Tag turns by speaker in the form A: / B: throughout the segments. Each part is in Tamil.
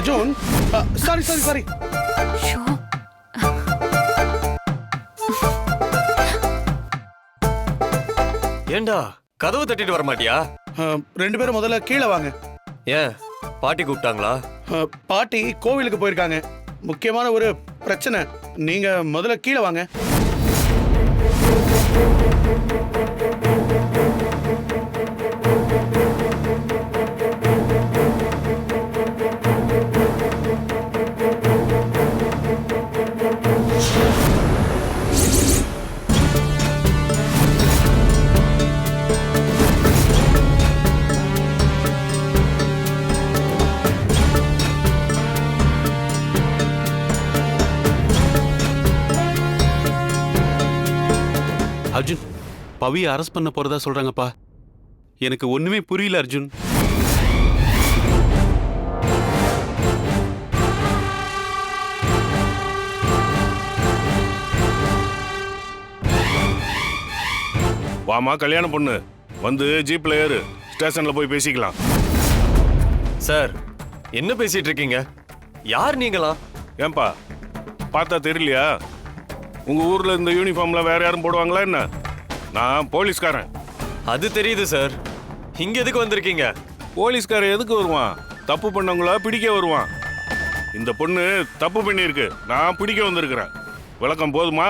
A: Arjun, sorry sorry sorry.
B: ஏண்டா கதவு தட்டிட்டு வர மாட்டியா?
A: ரெண்டு பேரும் முதல்ல கீழே வாங்க.
B: ஏன் பாட்டி கூப்பிட்டாங்களா?
A: பாட்டி கோவிலுக்கு போயிருக்காங்க. முக்கியமான ஒரு பிரச்சனை. நீங்க முதல்ல கீழே வாங்க.
C: அர்ஜுன், பவியை அரெஸ்ட் பண்ண போறதா சொல்றாங்கப்பா. எனக்கு ஒண்ணுமே புரியல அர்ஜுன்.
D: வாமா கல்யாண பொண்ணு, வந்து ஜீப்ல ஏறு, ஸ்டேஷன்ல போய் பேசிக்கலாம்.
B: சார் என்ன பேசிட்டு இருக்கீங்க? யார் நீங்களா?
D: ஏன்பா பார்த்தா தெரியலையா? உங்க ஊர்ல இந்த யூனிஃபார்ம்ல வேற யாரும் போடுவாங்களா என்ன? நான் போலீஸ்காரன்.
B: அது தெரியுது சார். இங்க எதுக்கு வந்திருக்கீங்க?
D: போலீஸ்காரன் எதுக்கு வருவான்? தப்பு பண்ணவங்கள பிடிக்க வருவான். இந்த பொண்ணு தப்பு பண்ணியிருக்கு, நான் பிடிக்க வந்திருக்கிறேன். விளக்கம் போதுமா?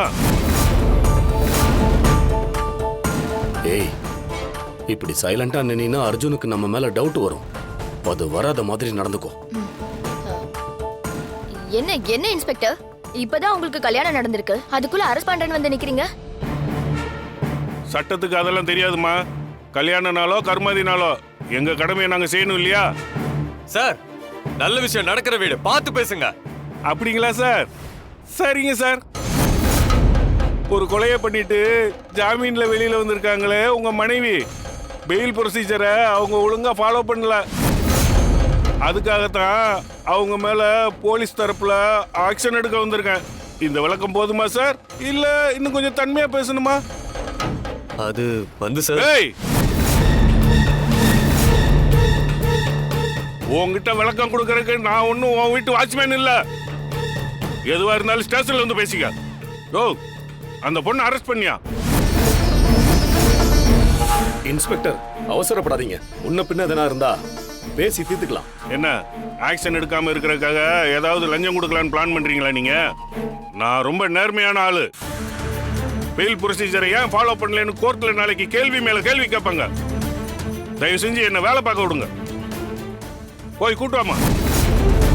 E: ஏய், இப்படி சைலண்டா நின்னா அர்ஜுனுக்கு நம்ம மேல டவுட் வரும். அது வராத மாதிரி நடந்துக்கோ.
F: என்ன என்ன இன்ஸ்பெக்டர், இப்பதான் உங்களுக்கு கல்யாணம் நடந்திருக்கு, அதுக்குள்ள அரெஸ்ட் பண்றேன்னு வந்து நிக்கிறீங்க?
D: சட்டத்துக்கு அதெல்லாம் தெரியாதுமா. கல்யாண நாளோ கர்மாதி நாளோ எங்க கடமையை நாங்க செய்யணும் இல்லையா?
B: சார் நல்ல விஷயம் நடக்கிற வீடு பார்த்து பேசுங்க.
D: அப்படிங்களா சார்? சரிங்க சார். ஒரு கொலையை பண்ணிட்டு ஜாமீன்ல வெளியில வந்திருக்காங்களே உங்க மனைவி, பெயில் ப்ரொசீஜரை அவங்க ஒழுங்கா ஃபாலோ பண்ணல. அதுக்காகத்தான் அவங்க மேல போலீஸ் தரப்புல ஆக்ஷன் எடுக்க வந்திருக்கேன். இந்த விளக்கம் போதுமா சார், இல்ல இன்னும் கொஞ்சம் தன்மையா பேசணுமா?
B: அது வந்து சார்,
D: ஏய், உன்கிட்ட விளக்கம் கொடுக்கறதுக்கு நான் ஒன்னும் உன் வீட்டு வாட்ச்மேன் இல்ல. எதுவா இருந்தாலும் ஸ்டேஷன்ல வந்து பேசிக்க. ஓ, அந்த பொண்ணு அரெஸ்ட் பண்ணியா?
E: இன்ஸ்பெக்டர், அவசரப்படாதீங்க. முன்ன பின்ன எதனா இருந்தா பேசி தீர்த்துக்கலாம்.
D: என்ன ஆக்ஷன் எடுக்காம இருக்கிறதுக்காக ஏதாவது லஞ்சம் கொடுக்கலான்னு பிளான் பண்றீங்களா நீங்க? நான் ரொம்ப நேர்மையான ஆளு. பெயில் ப்ரொசீஜரை ஏன் ஃபாலோ பண்ணலன்னு கோர்ட்ல நாளைக்கு கேள்வி மேல கேள்வி கேட்பாங்க. தயவு செஞ்சு என்ன வேலை பார்க்க விடுங்க. போய் கூட்டுவாமா.